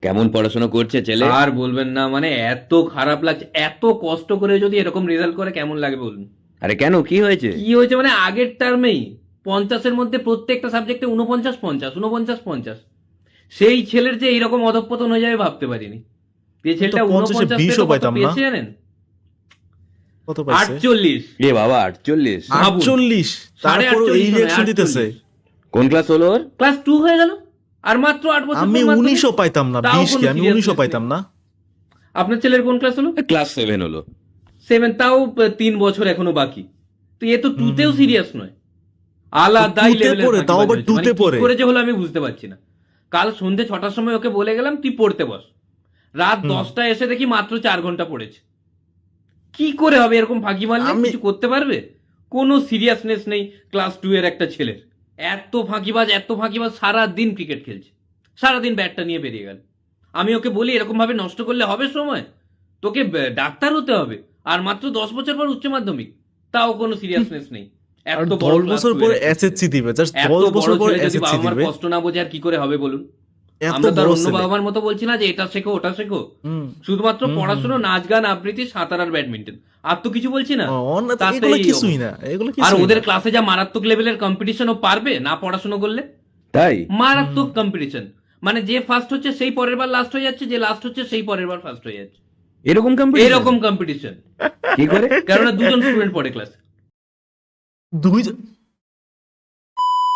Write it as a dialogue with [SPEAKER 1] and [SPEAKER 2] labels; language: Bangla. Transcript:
[SPEAKER 1] কেমন পড়াশোনা করছে ছেলে?
[SPEAKER 2] আর বলবেন না, মানে এত খারাপ লাগছে। এত কষ্ট করে যদি এরকম রেজাল্ট করে কেমন লাগে বলুন?
[SPEAKER 1] আরে কেন, কি হয়েছে?
[SPEAKER 2] কি হয়েছে মানে আগের টার্মেই 50-এর মধ্যে প্রত্যেকটা সাবজেক্টে 49-50, 49-50। সেই ছেলের যে এইরকম অধঃপতন হয়ে যাবে ভাবতে পারিনি। যে
[SPEAKER 3] তো
[SPEAKER 2] ছেলেটা
[SPEAKER 3] 50-এ
[SPEAKER 2] 49
[SPEAKER 3] 20ও
[SPEAKER 2] পেয়ে কত
[SPEAKER 3] পাইতাম না।
[SPEAKER 2] পেয়েছে জানেন?
[SPEAKER 3] কত পাইছে?
[SPEAKER 2] 48।
[SPEAKER 1] এ বাবা, 48!
[SPEAKER 2] ভাবুন।
[SPEAKER 3] 48? তারপর
[SPEAKER 2] 48
[SPEAKER 3] এই
[SPEAKER 2] নয়,
[SPEAKER 3] রিয়াকশন দিতেছে।
[SPEAKER 2] 48।
[SPEAKER 1] কোন ক্লাস হলো ওর?
[SPEAKER 2] ক্লাস 2 হয়ে গেল। আর মাত্র 8 বছর
[SPEAKER 3] আমি
[SPEAKER 2] পর মাধ্যমিক।
[SPEAKER 3] 19ও পাইতাম না,
[SPEAKER 2] তাও
[SPEAKER 3] 20 কি
[SPEAKER 2] কোনো
[SPEAKER 3] আমি
[SPEAKER 2] seriousness
[SPEAKER 3] 19ও পাইতাম
[SPEAKER 2] নেই।
[SPEAKER 3] না।
[SPEAKER 2] আপনার ছেলের কোন ক্লাস হলো?
[SPEAKER 1] ক্লাস 7 হলো।
[SPEAKER 2] 7, তাও 3 বছর এখনো বাকি। তো এ তো 2তেও সিরিয়াস নয়, আলাদাই
[SPEAKER 3] 2 তে
[SPEAKER 2] লেভেলের
[SPEAKER 3] পড়ে, তাও
[SPEAKER 2] ফাঁকিবাজ
[SPEAKER 3] আবার
[SPEAKER 2] হয়েছে।
[SPEAKER 3] 2
[SPEAKER 2] মানে
[SPEAKER 3] তে
[SPEAKER 2] কি
[SPEAKER 3] পড়ে।
[SPEAKER 2] করে যে হলো আমি বুঝতে পারছি না। কাল সন্ধ্যে 6টার সময় ওকে বলে গেলাম তুই পড়তে বস, রাত 10টায় এসে দেখি মাত্র 4 ঘন্টা পড়েছে। কি করে হবে এরকম ফাঁকি মারলে?
[SPEAKER 3] আমি
[SPEAKER 2] কিছু করতে পারবে? কোনো সিরিয়াসনেস নেই ক্লাস 2 এর একটা ছেলের। এত ফাঁকিবাজ, এত ফাঁকিবাজ, সারাদিন ক্রিকেট খেলছে, সারাদিন ব্যাটটা নিয়ে বেরিয়ে গেল। আমি ওকে বলি এরকম ভাবে নষ্ট করলে হবে সময়, তোকে ডাক্তার হতে হবে। আর মাত্র 10 বছর পর উচ্চ মাধ্যমিক, তাও কোনো সিরিয়াসনেস নেই।
[SPEAKER 3] আর
[SPEAKER 2] এত বড়
[SPEAKER 3] 10
[SPEAKER 2] ক্লাস
[SPEAKER 3] বছর
[SPEAKER 2] 2 এর
[SPEAKER 3] পরে
[SPEAKER 2] একটা ছেলে।
[SPEAKER 3] এসএসসি দিবে, জাস্ট
[SPEAKER 2] এত
[SPEAKER 3] 10
[SPEAKER 2] বড়
[SPEAKER 3] বছর পরে
[SPEAKER 2] ছেলে যদি
[SPEAKER 3] এসএসসি
[SPEAKER 2] বাবা মার
[SPEAKER 3] দিবে।
[SPEAKER 2] কষ্ট না বোঝে আর কি করে হবে বলুন?
[SPEAKER 3] এত
[SPEAKER 2] আমরা তো আর
[SPEAKER 3] বড়
[SPEAKER 2] অন্য
[SPEAKER 3] ছেলে।
[SPEAKER 2] বাবা মার মতো বলছি না যে এটা শেখো ওটা শেখো।
[SPEAKER 3] হুম।
[SPEAKER 2] শুধুমাত্র
[SPEAKER 3] হুম,
[SPEAKER 2] পড়াশোনা, নাচ গান, আবৃত্তি, সাঁতার আর ব্যাডমিন্টন, আর তো কিছু বলছি না।
[SPEAKER 3] না,
[SPEAKER 2] তাতে
[SPEAKER 3] এগুলো
[SPEAKER 2] এই
[SPEAKER 3] কিছুই
[SPEAKER 2] অবস্থা।
[SPEAKER 3] না, এগুলো
[SPEAKER 2] আর
[SPEAKER 3] কিছুই
[SPEAKER 2] ওদের
[SPEAKER 3] না।
[SPEAKER 2] ক্লাসে যা মারাত্মক লেভেলের কম্পিটিশন, ও পারবে না পড়াশোনা করলে?
[SPEAKER 1] তাই?
[SPEAKER 2] মারাত্মক কম্পিটিশন। মানে যে ফার্স্ট হচ্ছে সেই পরের বার লাস্ট হয়ে যাচ্ছে, যে লাস্ট হচ্ছে সেই পরের বার ফার্স্ট হয়ে যাচ্ছে।
[SPEAKER 1] এরকম কম্পিটিশন?
[SPEAKER 2] এরকম কম্পিটিশন।
[SPEAKER 1] কি করে?
[SPEAKER 2] কেননা দুজন স্টুডেন্ট পড়ে ক্লাসে।
[SPEAKER 3] 2